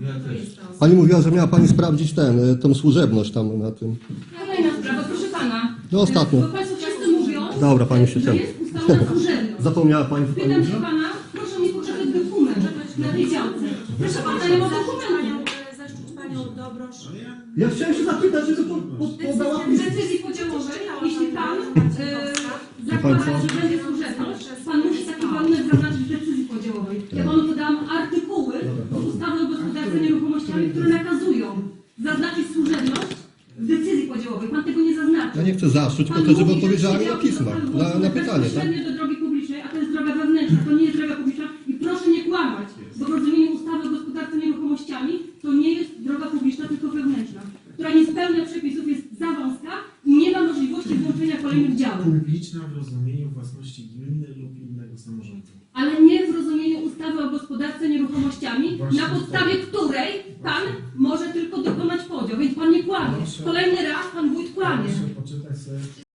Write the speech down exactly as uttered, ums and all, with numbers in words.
Ja to też. jest ta osoba. Pani mówiła, że miała Pani sprawdzić ten, tą służebność tam na tym. Kolejna sprawa, proszę pana. No ostatnio. Bo państwo często mówią, Dobra, pani się że tam. jest ustalona służebność. Zapomniała Pani, co Pani Pytam się mówiła? pana, proszę mi pokazać dokument na tej działce. Proszę pana, nie ma dokumentu. Zaszczyt panią Dobrosz. Ja chciałem się zapytać, żeby po, po, podała W decyzji podziałowej, jeśli pan e, zakłada, że będzie służebność, pan musi taki warunek zaznaczyć w decyzji podziałowej. Ja panu podałam artykuły ustawy o gospodarce nieruchomościami, które nakazują zaznaczyć służebność w decyzji podziałowej. Pan tego nie zaznaczył. Ja nie chcę zaszczuć, po Pan to, żeby mówi, że odpowiedziała mi na przydział pisma, do- na, na pytanie, tak? bezpośrednio do drogi publicznej, a to jest droga wewnętrzna, to nie jest droga publiczna i proszę nie kłamać, bo w rozumieniu ustawy o gospodarce nieruchomościami to nie jest droga publiczna, tylko wewnętrzna, która nie spełnia przepisów, jest za wąska i nie ma możliwości włączenia kolejnych działów. Publiczna w rozumieniu własności gminy lub innego samorządu. Ale nie w rozumieniu ustawy o gospodarce nieruchomościami, Właśnie na podstawie której pan może tylko dokonać podział, więc pan nie kłamie. Kolejny raz pan wójt kłamie. Proszę poczytać sobie